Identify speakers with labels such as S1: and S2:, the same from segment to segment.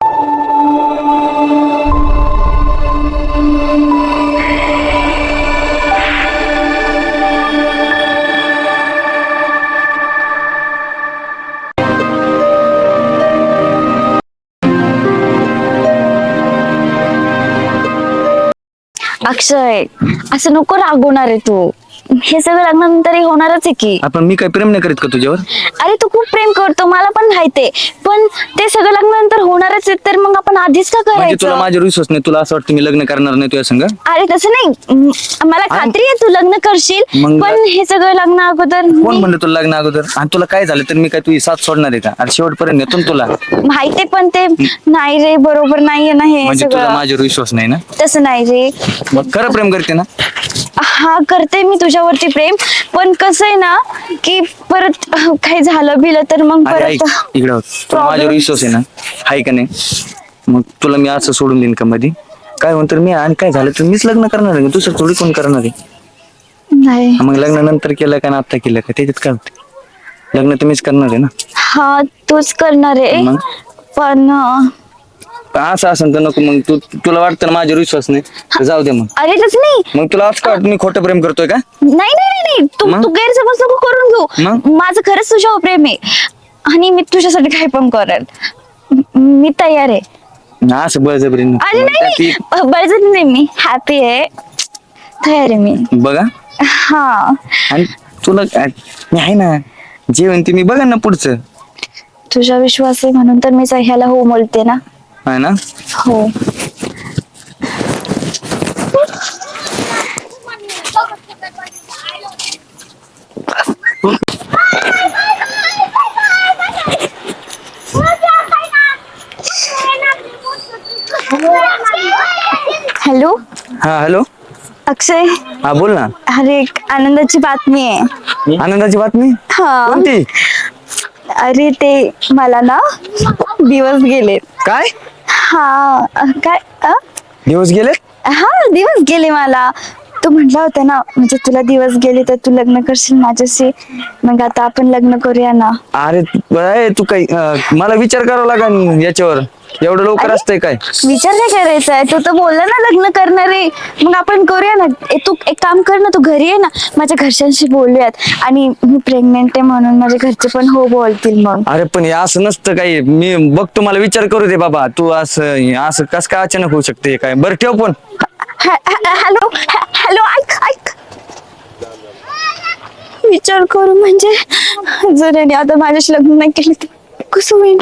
S1: अक्षय, असं नको रागवणार आहे तू. हे सगळं लग्नानंतरही होणारच आहे की.
S2: आपण मी काय प्रेम नाही करीत का तुझ्यावर?
S1: अरे तू खूप प्रेम करतो, मला पण माहितीये, पण ते सगळं लग्नानंतर होणारच आहे, तर मग आपण आधीच का
S2: म्हणजे तुला
S1: करायचं?
S2: माझ्यावर विश्वास नाही? तुला असं वाटतं मी लग्न करणार नाही तुझ्या संग?
S1: अरे तसं नाही, मला खात्री आहे तू लग्न करशील,
S2: मग-
S1: पण हे सगळं लग्न अगोदर
S2: कोण म्हणलं तुला लग्न अगोदर? आणि तुला काय झालं तर मी काय तुझी साथ सोडणार आहे का? आणि शेवटपर्यंत नेतो ना तुला.
S1: माहितीये, पण ते नाही रे, बरोबर नाहीये ना हे
S2: म्हणजे तुला
S1: सगळं.
S2: माझ्यावर विश्वास नाही ना?
S1: तसं नाही रे.
S2: मग खरं प्रेम करते ना?
S1: हा, करते मी तुझ्यावरती प्रेम, पण कसं आहे ना की परत काही झालं बिलं तर मग
S2: अरे ऐक,
S1: परत
S2: इकडं हो. तुला माझ्यावर विश्वास आहे ना? आहे का नाही? मग तुला मी असं सोडून देईन का मध्ये? काय म्हणतो मी, आणि काय झालं तर मीच लग्न करणार आहे, दुसरं थोडी कोण करणार आहे?
S1: नाही.
S2: मग लग्न नंतर केलं का ना आता केलं का त्याच्यात काय होते? लग्न तर मीच करणार आहे ना.
S1: हा, तूच करणार आहे,
S2: मग?
S1: पण
S2: पण असं असेल तर नको. मग तुला वाटतं ना माझ्यावर विश्वास नाही तर जाऊ दे मग.
S1: अरे तसं नाही.
S2: मग तुला असं काय वाटतं मी खोटं प्रेम करतोय का?
S1: नाही नाही नाही नाही, तू
S2: मग?
S1: तू गैरसमज नको करून घेऊ.
S2: मग?
S1: माझं खरंच तुझ्यावर प्रेम आहे, आणि मी तुझ्यासाठी काही पण करेल. मी तयार आहे.
S2: ना असं बळजबरी नको.
S1: अरे
S2: मग
S1: नाही
S2: त्यात
S1: नाही, बळजबरी नाही, मी हॅपी आहे, तयार आहे मी.
S2: बघा,
S1: हा,
S2: आणि तुला मी आहे ना, जे म्हणते मी बघा ना पुढचं.
S1: तुझा विश्वास आहे म्हणून तर मी ह्याला हो बोलते ना.
S2: आहे ना?
S1: हो. हॅलो
S2: हा हॅलो.
S1: अक्षय,
S2: हा बोल ना.
S1: अरे एक आनंदाची बातमी आहे.
S2: आनंदाची बातमी?
S1: हा,
S2: कोणती?
S1: अरे ते मला ना दिवस गेले.
S2: काय
S1: हा, काय
S2: दिवस गेले?
S1: हा, दिवस गेले मला. तू म्हटला होता ना, म्हणजे तुला दिवस गेले तर तू लग्न करशील माझ्याशी, मग आता आपण लग्न करूया ना.
S2: अरे तू काही मला विचार करावा लागेल याच्यावर. एवढं लवकर असतंय काय?
S1: विचार काय करायचा आहे? तू तर बोलला ना लग्न करणार आहे, मग आपण करूया ना. तू एक काम कर ना, तू घरी ये ना, माझ्या घरच्यांशी बोलूयात, आणि मी प्रेग्नेंट आहे म्हणून माझ्या घरचे पण हो बोलतील मग.
S2: अरे पण हे असं नसतं काही. मी बघतो, मला विचार करू दे बाबा. तू असं असं कस काय अचानक होऊ शकते काय? बरं ठेव पण.
S1: हॅलो हॅलो, ऐक ऐक, विचार करू म्हणजे जर याने आता माझ्याशी लग्न नाही केलं तर कसं होईल?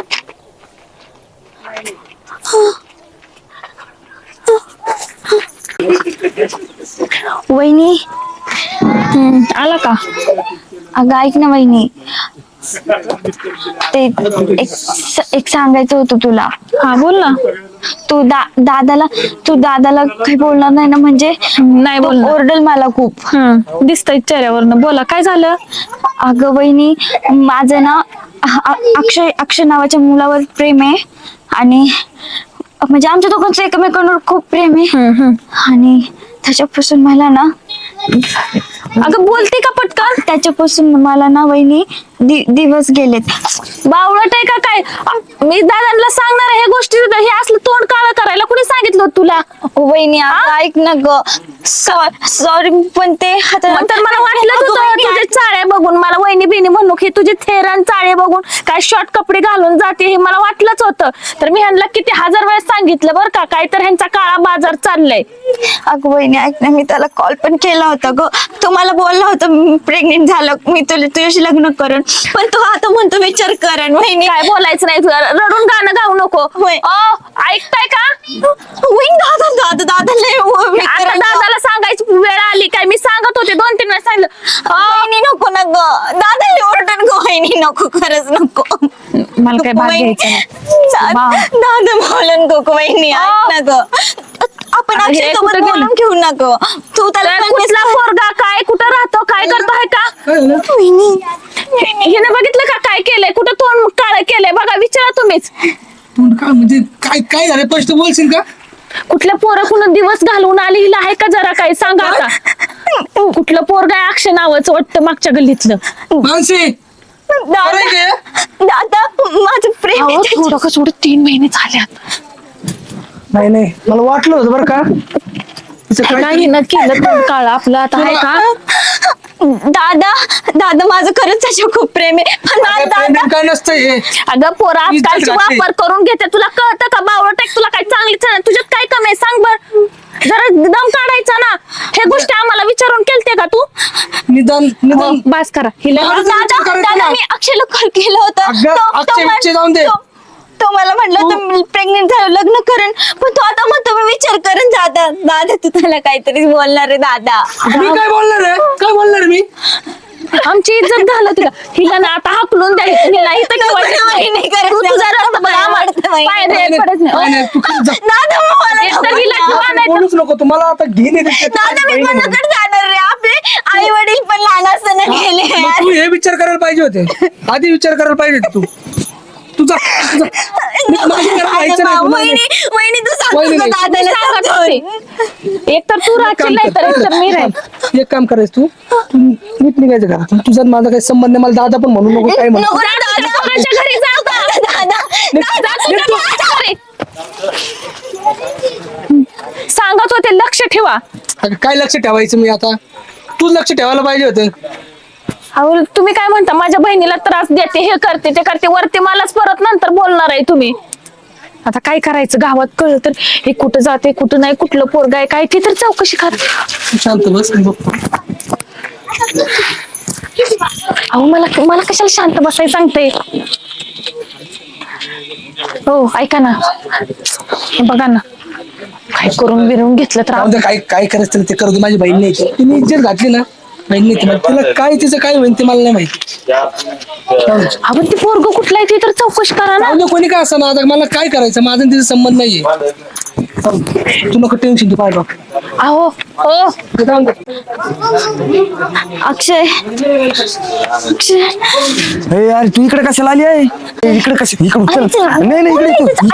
S1: वहिनी,
S3: आला का?
S1: अगं ऐक ना वहिनी, ते एक सांगायचं होतं तुला.
S3: हा बोल ना.
S1: तू दादाला काही बोलणार नाही ना? म्हणजे
S3: नाही
S1: तो
S3: बोलणार.
S1: ओरडल मला खूप.
S3: दिसतंय चेहऱ्यावरनं. बोला, काय झालं?
S1: अगं वहिनी, माझं ना अक्षय नावाच्या मुलावर प्रेम आहे, आणि म्हणजे आमच्या दोघांचं एकमेकांवर खूप प्रेम आहे, आणि त्याच्यापासून मला ना,
S3: अगं बोलते का पटकन?
S1: त्याच्यापासून मला ना वहिनी दिवस गेलेत.
S3: बावळट आहे का काय? मी दादांना सांगणार आहे ह्या गोष्टी. हे असलं तोंड काळं करायला कुणी सांगितलं होतं तुला?
S1: वहिनी ऐक ना ग, सॉरी, पण ते
S3: तर मला वाटलं तुझे चाळे बघून, मला वहिनी बिनी म्हणू की तुझे थेरान चाळे बघून काय शॉर्ट कपडे घालून जाते हे मला वाटलंच होतं. तर मी ह्यांना किती हजार वेळेस सांगितलं बरं का, काय तर ह्यांचा काळा बाजार चाललाय.
S1: अगं वहिनी ऐक ना, मी त्याला कॉल पण केला होता ग. तो मला बोलला होता प्रेग्नेंट झालं मी तुझ्याशी लग्न करेन, पण तो आता म्हणतो विचार करेन. वहिनी
S3: काय बोलायचं नाही तुला, रडून गाणं गाऊ नको.
S1: होय.
S3: ऐकताय का?
S1: दादा लय
S3: आता दादाला सांगायची वेळ आली काय? मी सांगत होते 2-3 वेळा सांगितलं.
S1: वहिनी नको ना ग, दादा लय ओरडन ग. वहिनी नको, खरंच नको.
S3: मला काय भाग घ्यायचं नाही.
S1: दादा बोलन नको. वहिनी ऐक ना ग, आपण
S3: अरे,
S1: अक्षय सोबत
S3: कुठं गेलं?
S1: बोलून घेऊ ना ग. तू त्याला
S3: कुठला पोरगा काय, कुठं राहतो, काय करतो आहे का?
S1: वहिनी
S3: हिने बघितलं का काय केलंय? कुठं तोंड काळ केलंय बघा, विचारा तुम्हीच.
S4: तोंड काय म्हणजे काय काय झालं? स्पष्ट बोलशील का?
S3: कुठल्या पोरं कुणा दिवस घालवून आली हिला आहे का जरा काय सांगा आता. कुठलं पोरगा आहे अक्षय नावाचं वाटतं मागच्या गल्लीतलं?
S4: मानसी
S1: दादा माझं प्रेम
S3: अहो
S1: आहे
S3: थोडं का थोडं 3 महिने झाल्यात.
S4: नाही नाही मला वाटलं होतं बरं का तिचं
S3: नाही
S4: काहीतरी-
S3: ना केलं पण काळ आपलं आता आहे का.
S1: दादा दादा माझं खरंच त्याच्यावर खूप प्रेम आहे पण
S4: अगं,
S1: दादा
S4: प्रेम काय नसतं हे
S3: अगं पोरं आजकालची
S4: इज्जत घातली.
S3: वापर करून घेते. तुला कळतं का बावळटेक तुला काय चांगलीच आहे. तुझ्यात काय कमी आहे सांग बर. जरा दम काढायचा ना. हे गोष्टी आम्हाला विचारून केलते का तू.
S4: निदान निदान
S3: बास करा हिला.
S4: मला
S1: दादा
S4: विचार करायचा
S1: दादा
S4: ना.
S1: मी अक्षयला कॉल केलं होतं
S4: अगं, अक्षय विषय जाऊन दे.
S1: तो मला म्हटलं होतं प्रेग्नेंट झालं लग्न करेन पण तो आता म्हणतो मी विचार करेन. दादा दादा तू त्याला काहीतरी बोलणार आहे दादा.
S4: मी काय बोलणार आहे काय बोलणार आहे मी
S3: आमची इज्जत घालत तुला. हिला ना आता हाकलून द्यायचं. हिला इथं ठेवायचं
S1: नाही, नाही करायचं.
S3: तू तुझा रस्ता बघ. आम्हाला
S1: आवडतं बाई.
S3: पाय
S4: नाही,
S3: द्यायला पडत
S4: नाही,
S3: नाही.
S4: नाही, तू खरंच जा.
S1: दादा मग मला
S3: एक तर
S1: नको
S3: हिला
S1: ना.
S3: ठेवा नाही तर-
S4: बोलूच नको तुम्हाला आता घेणे
S1: दादा मी कोणाकडे जाणार रे. आपले आई वडील पण लहान असताना गेले यार.
S4: तू हे विचार करायला पाहिजे होते आधी विचार करायला पाहिजे होते तू जा माझी करायला व्हायचं नाही तुला.
S1: वहिनी तू
S4: वहिनी
S1: सांगतो
S4: नाही.
S1: दादाला
S3: सांगत
S1: समजावून.
S3: एक तर तू राहशील नाही तर एक तर मी राहील.
S4: एक काम करायचं तू नीट निघायचं का तुझा माझा काही संबंध नाही. मला दादा पण म्हणू नको काय म्हणू
S1: नको रे
S3: जा
S1: दादा.
S3: तुझ्या पोराच्या घरी जा आता.
S1: दादा
S3: जा तुझ्या पोराच्या घरी. सांगत होते लक्ष ठेवा.
S4: अगं, काय लक्ष ठेवायचं मी आता तू लक्ष ठेवायला पाहिजे होतं.
S3: अहो तुम्ही काय म्हणता माझ्या बहिणीला त्रास देते हे करते ते करते वरती मलाच परत नंतर बोलणार आहे तुम्ही. आता काय करायचं गावात कळलं तर हे कुठं जाते कुठं नाही कुठलं पोरग आहे काय ते तर चौकशी कर.
S4: तू शांत बस मी बघतो.
S3: अहो मला मला कशाला शांत बसायला सांगते. हो ऐका ना हे बघा ना काय करून बिरून घेतलं तर
S4: जाऊ दे, काय काय करायचं ते करू दे. माझी बहीण नाही ती. तिने इज्जत घातली ना बहीण नाही ती. तिला काय तिचं काय होईल ते मला नाही माहिती. जाऊ दे.
S3: आपण ते पोरग कुठलं आहे ते तर चौकशी करा ना.
S4: जाऊ दे, कोणी काय असं ना आता मला काय करायचं माझा आणि तिचा संबंध नाहीये. जाऊ दे. तू नको टेन्शन तू पाहिजे
S3: अहो हो
S1: अक्षय अक्षय
S2: हे यार तू इकडे कशाला आली आहे इकडे कशा इकडे चल. नाही नाही इकडे तू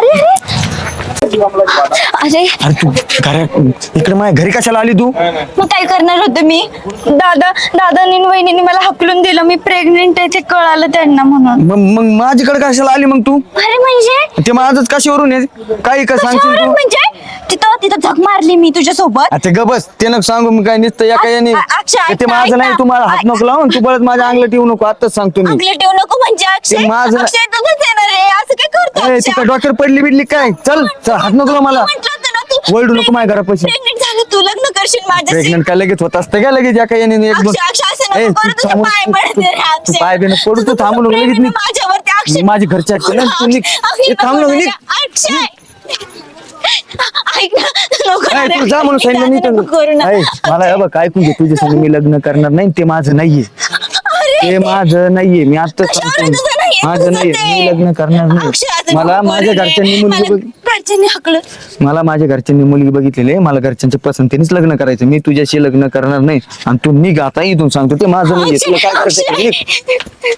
S1: अरे
S2: अरे तू घरा इकडे माझ्या घरी कशाला आली तू.
S1: मग काय करणार होते मी. दादानी आणि वहिनीने मला हकलून दिलं. मी प्रेग्नेंट आहे ते कळालं त्यांना म्हणून.
S2: मग माझ्याकडे कशाला आली मग तू.
S1: अरे म्हणजे
S2: ते माझंच कशावरून आहे काही का सांगशील
S1: कशावरून
S2: तू.
S1: म्हणजे तिथं झक मारली मी तुझ्या सोबत.
S2: आता ग बस ते नको सांगू मी काय नुसतं या काय
S1: अक्षय,
S2: ते माझं
S1: ऐक
S2: नाही
S1: ना.
S2: तू मला हात नको लावून तू परत माझ्या अंगलट येऊ नको आताच सांगतो मी.
S1: अंगले ठेवू नको म्हणजे अक्षय
S2: ते माझं-
S1: अक्षय तुझंच येणार आहे असं काय करतो
S2: ए,
S1: अक्षय?
S2: तू काय डॉक्टर पडली बिडली काय चल चल हात नको लावू मला.
S1: म्हटलं होतं ना तू
S2: वळडू नको माझ्या घरापाशी.
S1: प्रेग्नेंट झालं तू लग्न करशील माझ्याशी.
S2: प्रेग्नंट काय लगेच होत असतं का लगेच या काय एक दोन
S1: अक्षय अक्षय असं
S2: ए,
S1: नको
S2: तू
S1: करू. तुझे
S2: थांबून-
S1: पाय पडते रे
S2: तू
S1: अक्षय.
S2: पाय बिन पडू तू
S1: तुझं
S2: थांबू नको
S1: प्रेम
S2: लगेच
S1: आहे
S2: निघ.
S1: माझ्यावरती अक्षय.
S2: मी माझी घरची ऐकते ना तू निघ.
S1: अक्षय,
S2: ए, थांब
S1: नको
S2: नको निघ.
S1: ना, अक्षय ऐक ना नको ना
S2: ए,
S1: रे,
S2: तू जा म्हणून सांगितलं मी
S1: नको करू ना.
S2: मला हे बघ ऐकून घे तुझ्या संग मी लग्न करणार नाही ते माझं नाहीये. ते माझं नाहीये मी आता
S1: कशावर तुझं नाहीये?
S2: माझं
S1: तुझं
S2: नाहीये
S1: ते.
S2: मी लग्न करणार
S1: अक्षय,
S2: नाही.
S1: असं
S2: मला
S1: नको
S2: माझ्या
S1: करू रे.
S2: घरच्यांनी मुलगी
S1: मला घरच्यांनी हकलं.
S2: मला माझ्या घरच्यांनी मुलगी बघितलेली आहे. मला घरच्यांच्या पसंतीनेच लग्न करायचं. मी तुझ्याशी लग्न करणार नाही आणि तू निघ आता इथून सांगतो ते माझं नाहीये. तुला काय करायचं ते निघ.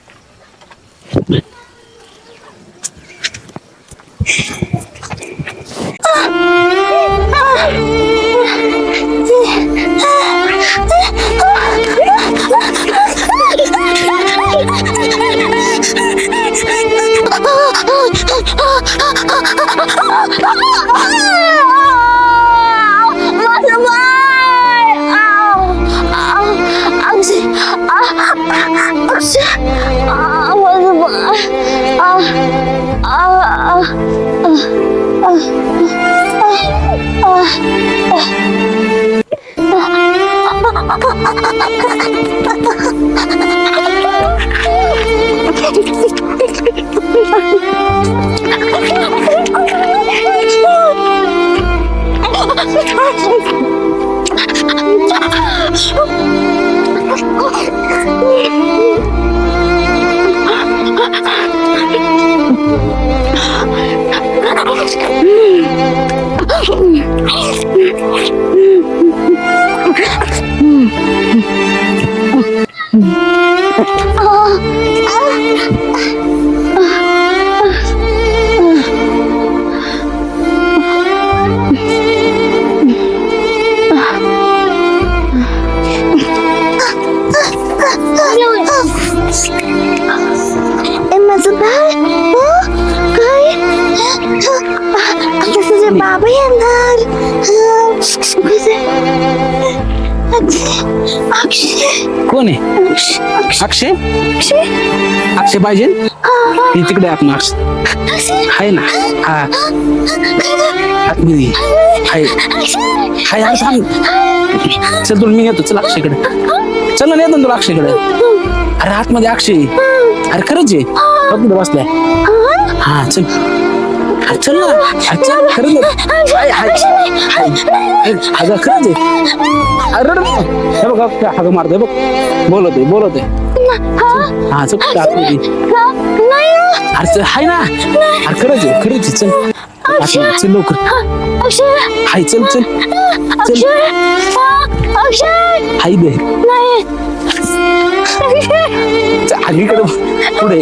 S1: माझं बाळ. अक्षय अक्षय माझं माझे बाबा येणार.
S4: कोण आहे? अक्षय. अक्षय पाहिजे ती तिकडे आपण आहे ना. हा आतमध्ये हाय हाय हाय थांब. चल तुला मी नेतो. चल अक्षयकडे. चल ना नेतो तुला अक्षयकडे. अरे आतमध्ये अक्षय. अरे खरंच आहे बसलाय. हा चल. अरे चल ना. अरे चल खरंच हाय हाय हाय. अगं खरंच आहे. अरे हे बघ हाग मारतोय बघ. बोलत आहे. हा चल आतमध्ये. अरे चल हाय ना. अरे खरंच आहे चल. चल लवकर. हाय चल हाय दे. अलीकडे पुढे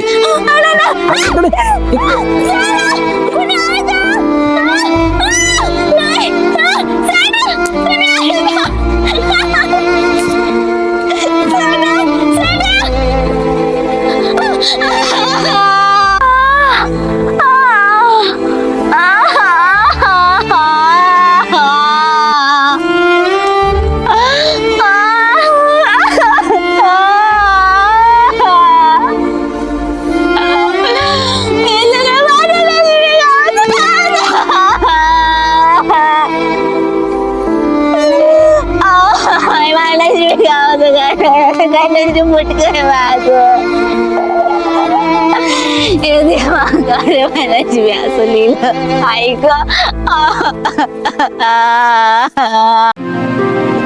S1: असं लिहिलं ऐक.